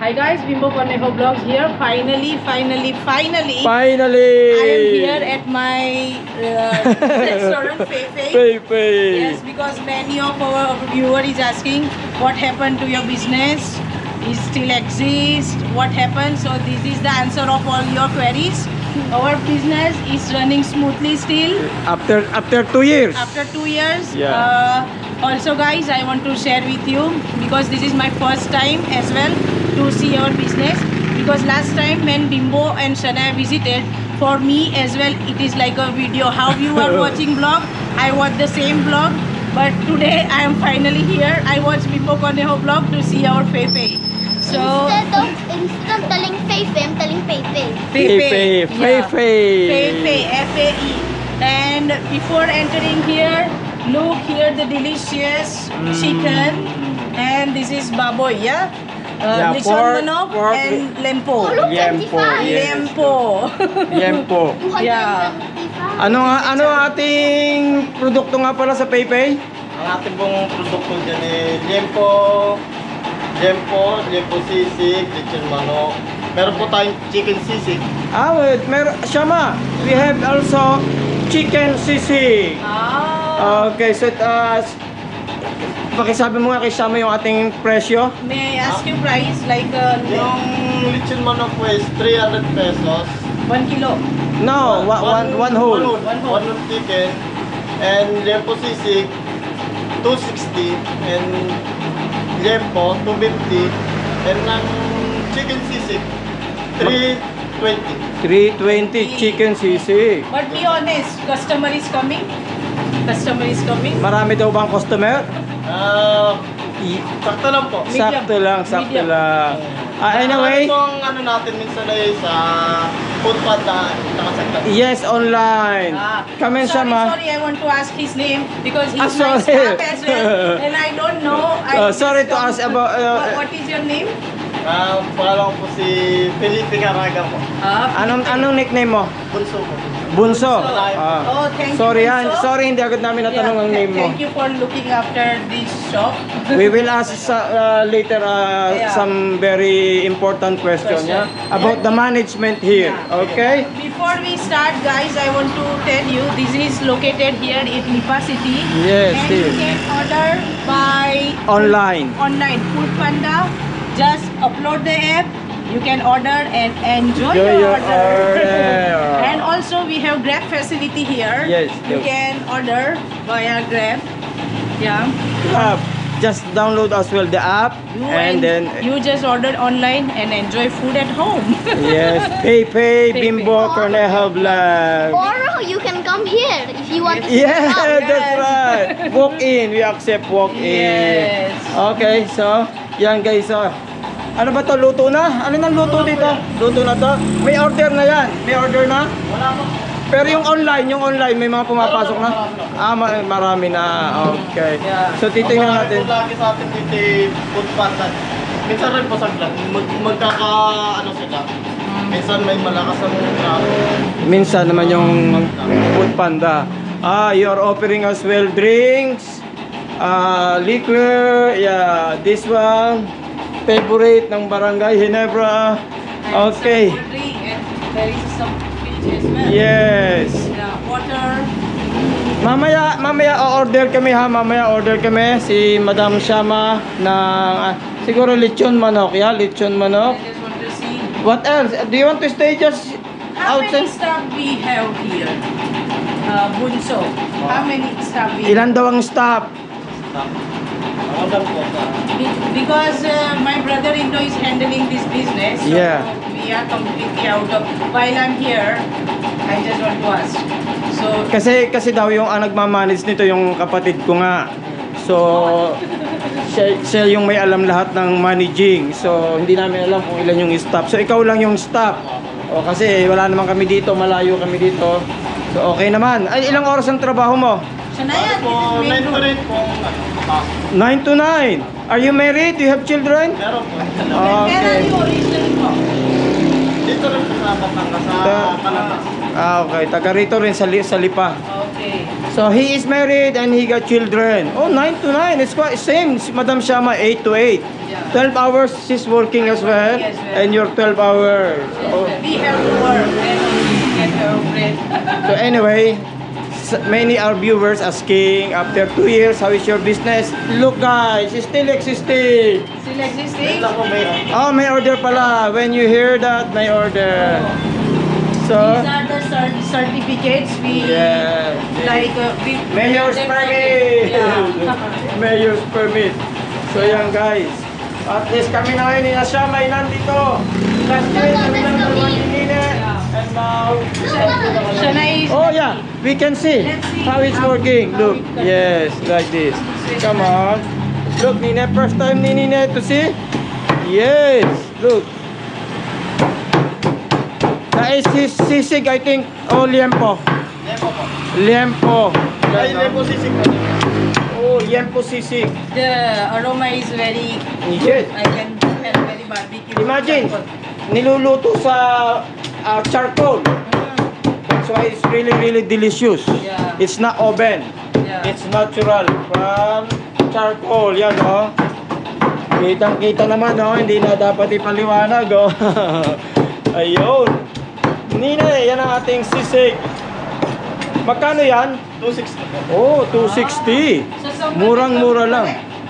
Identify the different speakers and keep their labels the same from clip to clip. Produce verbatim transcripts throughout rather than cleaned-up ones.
Speaker 1: Hi guys, Bimbo Cornejo Vlogs here. Finally, finally, finally,
Speaker 2: Finally!
Speaker 1: I am here at my uh, restaurant, Feifei.
Speaker 2: Feifei.
Speaker 1: Yes, because many of our viewer is asking what happened to your business. It still exists. What happened? So this is the answer of all your queries. Our business is running smoothly still.
Speaker 2: After after two years.
Speaker 1: After two years.
Speaker 2: Yeah.
Speaker 1: Uh, also guys, I want to share with you because this is my first time as well to see our business, because last time when Bimbo and Shania visited, for me as well it is like a video. How you are watching vlog, I watch the same vlog, but today I am finally here. I watch Bimbo Cornejo vlog to see our Feifei. So
Speaker 3: Instead of, instead of telling Feifei, I'm telling Feifei.
Speaker 2: Feifei.
Speaker 1: Yeah.
Speaker 2: Feifei.
Speaker 1: Feifei, F A E. And before entering here, look here the delicious chicken. And this is baboy, yeah? Uh,
Speaker 2: Yeah,
Speaker 1: lechon
Speaker 2: pork,
Speaker 1: manok
Speaker 2: pork.
Speaker 1: and lempo.
Speaker 3: Oh, look,
Speaker 2: Yempo,
Speaker 3: twenty-five.
Speaker 2: yes.
Speaker 1: Lempo.
Speaker 2: Yempo.
Speaker 1: Yeah.
Speaker 3: two hundred twenty-five.
Speaker 2: Ano nga ano ang ating produkto nga pala sa Feifei?
Speaker 4: Ang ating pong produkto dyan ay Liempo, Liempo, Liempo sisig, lechon manok. Meron po tayong chicken sisig.
Speaker 2: Ah, wait, mer Shama, we have also chicken sisig.
Speaker 1: Ah.
Speaker 2: Okay, so uh, pakisabi mo nga kay Shama yung ating presyo.
Speaker 1: May I ask you price like uh,
Speaker 4: Yung lechon manok po is three hundred pesos.
Speaker 1: one kilo.
Speaker 2: No, one, one, one whole.
Speaker 1: One whole.
Speaker 4: One whole chicken. And Liempo sisig, two sixty. And Liempo, two fifty. And ang chicken sisig, three twenty.
Speaker 2: three twenty chicken sisig.
Speaker 1: But be honest, customer is coming. Customer is coming.
Speaker 2: Marami daw bang customer?
Speaker 4: Ah,
Speaker 2: I-
Speaker 4: sakto lang po.
Speaker 1: Medium.
Speaker 2: Sakto lang, sakto
Speaker 1: Medium.
Speaker 2: lang. Ah, anyway,
Speaker 4: Ano itong ano natin minsan ay sa food panda, tsaka sa club.
Speaker 2: yes, online.
Speaker 1: Ah,
Speaker 2: Come in,
Speaker 1: sorry,
Speaker 2: Shama.
Speaker 1: sorry, I want to ask his name because he's
Speaker 2: Ah,
Speaker 1: my
Speaker 2: sorry.
Speaker 1: staff as well, and I don't know. I
Speaker 2: Uh, sorry
Speaker 1: just
Speaker 2: to
Speaker 1: don't-
Speaker 2: ask about, uh,
Speaker 1: what, what is your name?
Speaker 4: Ah, pangalan ko po si Felipe Caraga po.
Speaker 1: Ah,
Speaker 2: Anong anong nickname mo?
Speaker 4: Bunso po.
Speaker 2: Bunso.
Speaker 1: So,
Speaker 2: Ah.
Speaker 1: oh, thank you,
Speaker 2: Sorry yan.
Speaker 1: Bunso.
Speaker 2: Sorry, hindi agad namin natanong ang
Speaker 1: Yeah,
Speaker 2: name mo.
Speaker 1: Thank you for looking after this shop.
Speaker 2: We will ask sa- uh, later uh,
Speaker 1: Yeah.
Speaker 2: some very important question,
Speaker 1: Question.
Speaker 2: yeah? About the management here.
Speaker 1: Yeah.
Speaker 2: Okay?
Speaker 1: Before we start, guys, I want to tell you this is located here in Lipa City.
Speaker 2: Yes,
Speaker 1: and
Speaker 2: here.
Speaker 1: you can order by
Speaker 2: Online.
Speaker 1: online Food Panda. Just upload the app. You can order and enjoy
Speaker 2: Enjoy
Speaker 1: your,
Speaker 2: your
Speaker 1: order.
Speaker 2: order.
Speaker 1: And also we have Grab facility here.
Speaker 2: Yes,
Speaker 1: You
Speaker 2: yes.
Speaker 1: can order via Grab. Yeah.
Speaker 2: Uh, just download as well the app
Speaker 1: You
Speaker 2: and then
Speaker 1: you just order online and enjoy food at home.
Speaker 2: yes, Feifei
Speaker 1: Feifei.
Speaker 2: Bimbo Cornejo Vlog.
Speaker 3: Or you can come here if you want to
Speaker 2: Yeah,
Speaker 3: sit down.
Speaker 2: that's right. Walk in. We accept walk in.
Speaker 1: Yes.
Speaker 2: Okay, so yan guys. So, ano ba to? Luto na? Ano nang luto dito? Luto na to? May order na yan. May order na?
Speaker 4: Wala po.
Speaker 2: Pero yung online, yung online, may mga pumapasok na? Ah, ma- marami na. Okay.
Speaker 1: Yeah.
Speaker 2: So, titingnan
Speaker 4: Ang
Speaker 2: natin.
Speaker 4: po lagi sa atin dito eh, food panda. Minsan rin po sa club. Mag, magkaka ano sila. Minsan may malakas ang traffic.
Speaker 2: Minsan naman yung food panda. Ah, you are offering as well drinks, ah, liquor, yeah, this one, favorite ng Barangay Ginebra. Okay.
Speaker 1: And some cold drink and there is some fish as well.
Speaker 2: Yes.
Speaker 1: Yeah, water.
Speaker 2: Mamaya, mamaya o-order kami ha. Mamaya order kami si Madam Shama ng ah, siguro lechon manok, yeah, lechon manok.
Speaker 1: I just want to see
Speaker 2: What else? Do you want to stay just
Speaker 1: how many
Speaker 2: outside?
Speaker 1: staff we have here. Uh, Bunso. How many staff we have?
Speaker 2: Ilan daw ang staff?
Speaker 4: Ang alam po sa
Speaker 1: Be- Because uh, my brother-in-law is handling this business, so
Speaker 2: Yeah.
Speaker 1: we are completely out of. While I'm here, I just want to ask. So
Speaker 2: Kasi kasi daw yung ang nagmamanage nito yung kapatid ko nga. So siya, siya yung may alam lahat ng managing. So hindi namin alam kung ilan yung staff. So ikaw lang yung staff. O kasi wala naman kami dito, malayo kami dito. So okay naman. Ay, ilang oras ang trabaho mo?
Speaker 1: Shania,
Speaker 4: po,
Speaker 1: this is main
Speaker 4: nine to
Speaker 1: road.
Speaker 4: nine po. Ah,
Speaker 2: nine to nine. Are you married? Do you have children?
Speaker 4: meron po.
Speaker 2: Ah,
Speaker 1: Where are
Speaker 2: okay.
Speaker 1: you originally from?
Speaker 4: Dito rin po sa Batangas, sa
Speaker 2: Ta-
Speaker 4: Palamas.
Speaker 2: Ah, okay. Taga rito rin sa, li- sa Lipa.
Speaker 1: Okay.
Speaker 2: So he is married and he got children. Oh, nine to nine. It's quite same. Si Madam Shama, eight to eight.
Speaker 1: Yeah.
Speaker 2: twelve hours she's working as well,
Speaker 1: Yes, well.
Speaker 2: and you're twelve hours. Oh.
Speaker 1: We have to work and we get our bread.
Speaker 2: So anyway, s- many our viewers asking after two years, how is your business? Look guys, it's still existing.
Speaker 1: Still existing?
Speaker 4: Wait lang po, may...
Speaker 2: Oh, may order pala. When you hear that, may order. So,
Speaker 1: These are the cert- certificates we
Speaker 2: yeah.
Speaker 1: like. Uh, we
Speaker 2: Mayor's
Speaker 1: them-
Speaker 2: permit!
Speaker 1: Yeah.
Speaker 2: Mayor's permit. So yan guys. At least kami na ngayon ni Asya may nandito. Last year kami lang naman ninine. And now...
Speaker 1: Shana is.
Speaker 2: Oh yeah, we can see
Speaker 1: Let's see
Speaker 2: how it's
Speaker 1: how-
Speaker 2: working.
Speaker 1: how
Speaker 2: Look,
Speaker 1: it can-
Speaker 2: yes, like this. Come on. Look, Nine, first time ni Nine to see. Yes, look. That is his sisig, I think. Oh, liempo.
Speaker 4: Lempo po.
Speaker 2: Liempo.
Speaker 4: Ay, lempo sisig po.
Speaker 2: Oh, liempo sisig.
Speaker 1: The aroma is very.
Speaker 2: Yes.
Speaker 1: I can smell very barbecue.
Speaker 2: Imagine, niluluto sa uh, charcoal. That's why it's really, really delicious.
Speaker 1: Yeah.
Speaker 2: It's not oven.
Speaker 1: Yeah.
Speaker 2: It's natural from charcoal. Yan, oh. Kitang-kita naman, oh. Hindi na dapat ipaliwanag, oh. Ayun. Nina, yan ang ating sisig. Magkano yan?
Speaker 4: two sixty po.
Speaker 2: Oh, two sixty.
Speaker 1: So someone
Speaker 2: Murang-mura lang.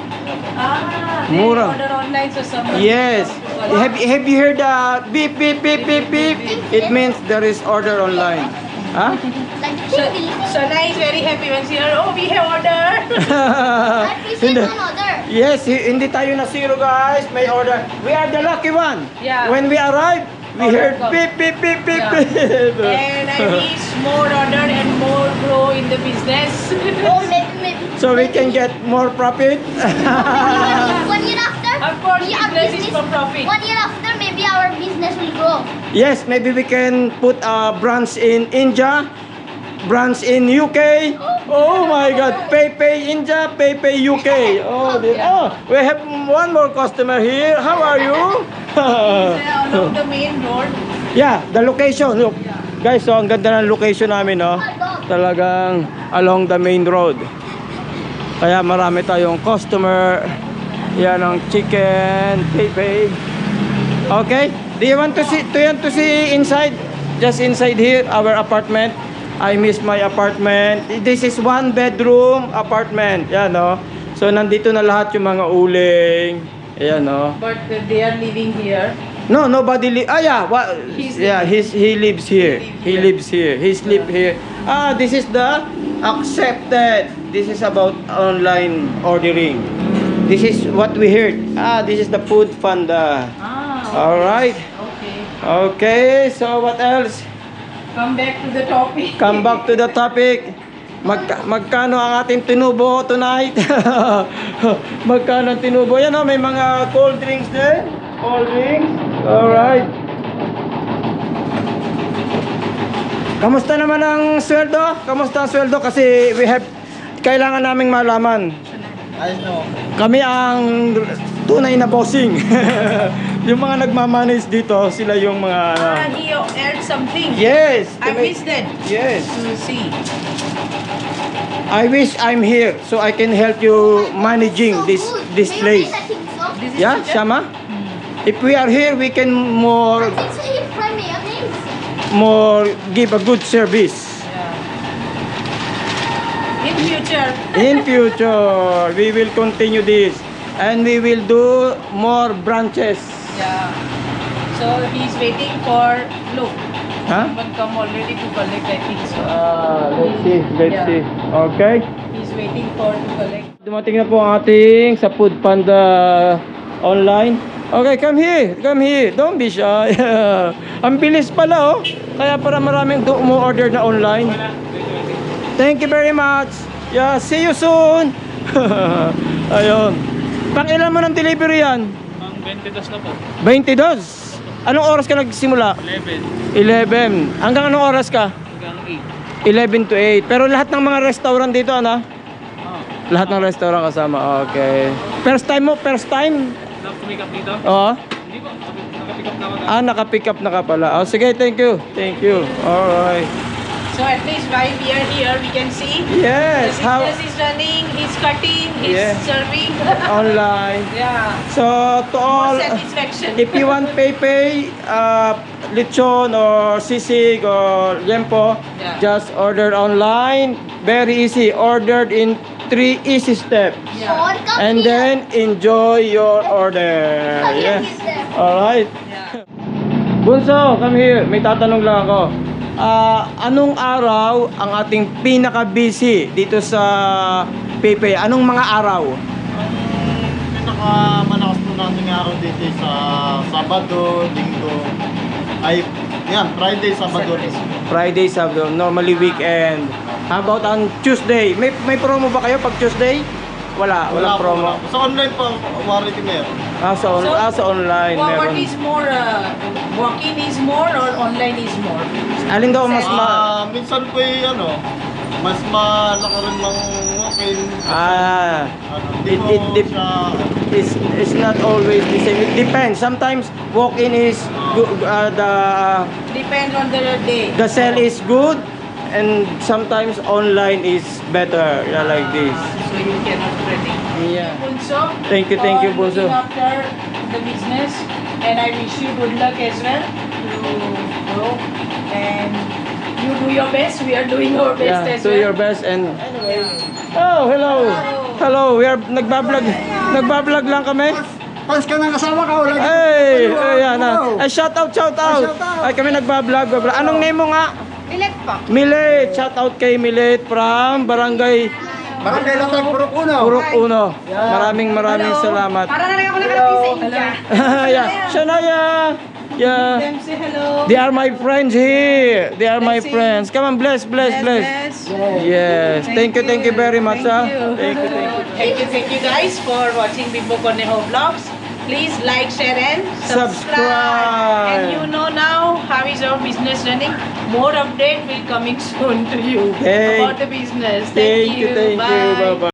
Speaker 1: Ah, they
Speaker 2: Mura.
Speaker 1: order online so someone.
Speaker 2: Yes.
Speaker 1: Collect.
Speaker 2: Have, have you heard the beep, beep, beep, beep, beep? It means there is order online. Huh?
Speaker 3: Like
Speaker 1: So,
Speaker 3: chili.
Speaker 1: Shana is very happy when she heard, oh, we have order.
Speaker 3: I appreciate
Speaker 2: Hindi.
Speaker 3: one order.
Speaker 2: Yes, hi- hindi tayo na zero guys. May order. We are the lucky one.
Speaker 1: Yeah.
Speaker 2: When we arrive, we
Speaker 1: Order
Speaker 2: heard
Speaker 1: come.
Speaker 2: beep, beep, beep, beep,
Speaker 1: Yeah.
Speaker 2: beep.
Speaker 1: And I wish more order and more grow in the business.
Speaker 3: Oh, maybe, maybe.
Speaker 2: So we can get more profit.
Speaker 3: One year after,
Speaker 1: Of course,
Speaker 3: we- our
Speaker 1: business is for profit.
Speaker 3: One year after, maybe our business will grow.
Speaker 2: Yes, maybe we can put a branch in India, branch in U K. Oh my God, PayPay India, PayPay U K. Oh, the, oh, we have one more customer here. How are you?
Speaker 1: Uh, along the main road.
Speaker 2: Yeah, the location. Look, guys, so ang ganda ng location namin, no? Talagang along the main road. Kaya marami tayong customer. Yan ang chicken, PayPay. Okay, do you want to see, do you want to see inside? Just inside here, our apartment. I miss my apartment. This is one bedroom apartment. Yan, no? So, nandito na lahat yung mga uling. Ayan, no?
Speaker 1: But uh, they are living here.
Speaker 2: No, nobody li- ah yeah, what
Speaker 1: He's
Speaker 2: yeah, he's he lives here. He
Speaker 1: He
Speaker 2: lives here. He sleep here. Ah, this is the accepted. This is about online ordering. This is what we heard. Ah, this is the food panda.
Speaker 1: Ah,
Speaker 2: All right.
Speaker 1: okay.
Speaker 2: Okay, so what else?
Speaker 1: Come back to the topic.
Speaker 2: Come back to the topic. Magka, magkano ang ating tinubo tonight? Magkano ang tinubo? Yan oh, may mga cold drinks din. Cold drinks. Alright. Kamusta naman ang sweldo? Kamusta ang sweldo? Kasi we have, kailangan naming malaman.
Speaker 4: Ayos na po.
Speaker 2: Kami ang tunay na bossing. Yung mga nagmamanage dito, sila yung mga... ano.
Speaker 1: Ah, he aired something.
Speaker 2: Yes.
Speaker 1: I missed that.
Speaker 2: Yes.
Speaker 1: To see.
Speaker 2: I wish I'm here so I can help you managing
Speaker 3: So
Speaker 2: this
Speaker 3: good.
Speaker 2: this place.
Speaker 3: Mayonnaise, I think so.
Speaker 1: This is
Speaker 2: Yeah,
Speaker 1: chicken?
Speaker 2: Shama? If we are here, we can more
Speaker 3: I think so. You fry mayonnaise.
Speaker 2: more give a good service.
Speaker 1: Yeah. In future.
Speaker 2: In future, we will continue this and we will do more branches.
Speaker 1: Yeah. So he's waiting for look.
Speaker 2: Huh?
Speaker 1: Someone come already to collect, I think so.
Speaker 2: Ah, let's see, let's
Speaker 1: Yeah.
Speaker 2: see. Okay.
Speaker 1: He's waiting for to collect.
Speaker 2: Dumating na po ang ating sa Food Panda online. Okay, come here. Come here. Don't be shy. Ang bilis pala, oh. Kaya para maraming do- umu-order na online. Thank you very much. Yeah, see you soon. Ayun. Pang ilan mo ng delivery yan?
Speaker 5: Pang twenty-two na po.
Speaker 2: twenty-two. Anong oras ka nagsimula?
Speaker 5: eleven
Speaker 2: eleven. Hanggang anong oras ka?
Speaker 5: hanggang eight.
Speaker 2: eleven to eight. Pero lahat ng mga restaurant dito, ano?
Speaker 5: Oh.
Speaker 2: Lahat ng restaurant kasama. Okay. First time mo? First time?
Speaker 5: Na-pick up dito?
Speaker 2: Oo.
Speaker 5: Hindi po. Nakapick up na ako.
Speaker 2: Ah, naka-pick up na ka pala. Oh, sige, thank you. Thank you. Alright.
Speaker 1: So at least while we are here, we can see
Speaker 2: Yes,
Speaker 1: the
Speaker 2: how
Speaker 1: business is running, he's cutting, he's
Speaker 2: Yeah.
Speaker 1: serving.
Speaker 2: online.
Speaker 1: Yeah.
Speaker 2: So to all,
Speaker 1: More satisfaction.
Speaker 2: if you want Pepe, uh, lechon or sisig or liempo,
Speaker 1: Yeah.
Speaker 2: just order online. Very easy. Ordered in three easy steps.
Speaker 1: Yeah.
Speaker 3: Or come
Speaker 2: And
Speaker 3: here.
Speaker 2: then enjoy your order.
Speaker 3: Come here,
Speaker 2: Yes.
Speaker 3: mister.
Speaker 2: Alright.
Speaker 1: Yeah.
Speaker 2: Bunso, come here. May tatanong lang ako. Ah, anong araw ang ating pinaka-busy dito sa Pepe? Anong mga araw?
Speaker 4: Ang pinakamalakas po nating araw dito sa Sabado, Linggo, ay yan, Friday, Sabado.
Speaker 2: Friday, Sabado, normally weekend. How about on Tuesday? May may promo ba kayo pag Tuesday? Wala, walang
Speaker 4: Wala po,
Speaker 2: promo.
Speaker 4: wala po. Sa online po, warranty meron.
Speaker 2: Ah, sa, on,
Speaker 1: So,
Speaker 2: ah, sa online
Speaker 1: What, what
Speaker 2: meron.
Speaker 1: is more, uh, walk-in is more or online is more?
Speaker 2: Alin daw mas ma...
Speaker 4: Ah, minsan po yung ano, mas malaki rin mang walk-in.
Speaker 2: Ah,
Speaker 4: Ano, hindi
Speaker 2: it,
Speaker 4: po
Speaker 2: it, dep-
Speaker 4: siya,
Speaker 2: it's, it's not always the same. It depends. Sometimes walk-in is gu- uh, the
Speaker 1: Depends on the day.
Speaker 2: the sale is good, and sometimes online is better. Yeah, like this.
Speaker 1: Ah, so you cannot predict.
Speaker 2: Yeah.
Speaker 1: Bunso,
Speaker 2: Thank you, thank you,
Speaker 1: for
Speaker 2: Bunso.
Speaker 1: looking after the business, and I wish you good luck as well to grow, and you do your best. We are doing our best
Speaker 2: Yeah,
Speaker 1: as
Speaker 2: do
Speaker 1: well.
Speaker 2: your best and
Speaker 1: Yeah.
Speaker 2: oh, hello. Hello, we are nagbablog. Nagbablog lang kami.
Speaker 6: Pas ka nang kasama ka, wala
Speaker 2: Hey, ayan na. Ay, shout out, shout out.
Speaker 6: shout out.
Speaker 2: Ay, kami nagbablog. bablog. Anong name mo nga?
Speaker 1: Bilet pa.
Speaker 2: Milet. Shout out kay Milet from Barangay
Speaker 6: Barangay Latag, Purok Uno.
Speaker 2: Purok Uno. Maraming maraming salamat.
Speaker 1: Para na lang ako nakarating sa India.
Speaker 2: yeah, Shania. Yeah.
Speaker 1: Them say hello.
Speaker 2: They are my friends here. They are my
Speaker 1: Blessing.
Speaker 2: friends. Come on, bless, bless, bless. Yes. Thank you, thank you very much,
Speaker 1: Thank
Speaker 2: ah.
Speaker 1: you.
Speaker 2: Thank you, thank you.
Speaker 1: Thank you, thank you guys for watching Bimbo Cornejo Vlogs. Please like, share and subscribe.
Speaker 2: Subscribe.
Speaker 1: And you know now how is our business running. More update will coming soon to you
Speaker 2: Thank-
Speaker 1: about the business.
Speaker 2: Thank you, thank you.
Speaker 1: Bye.
Speaker 2: Bye-bye.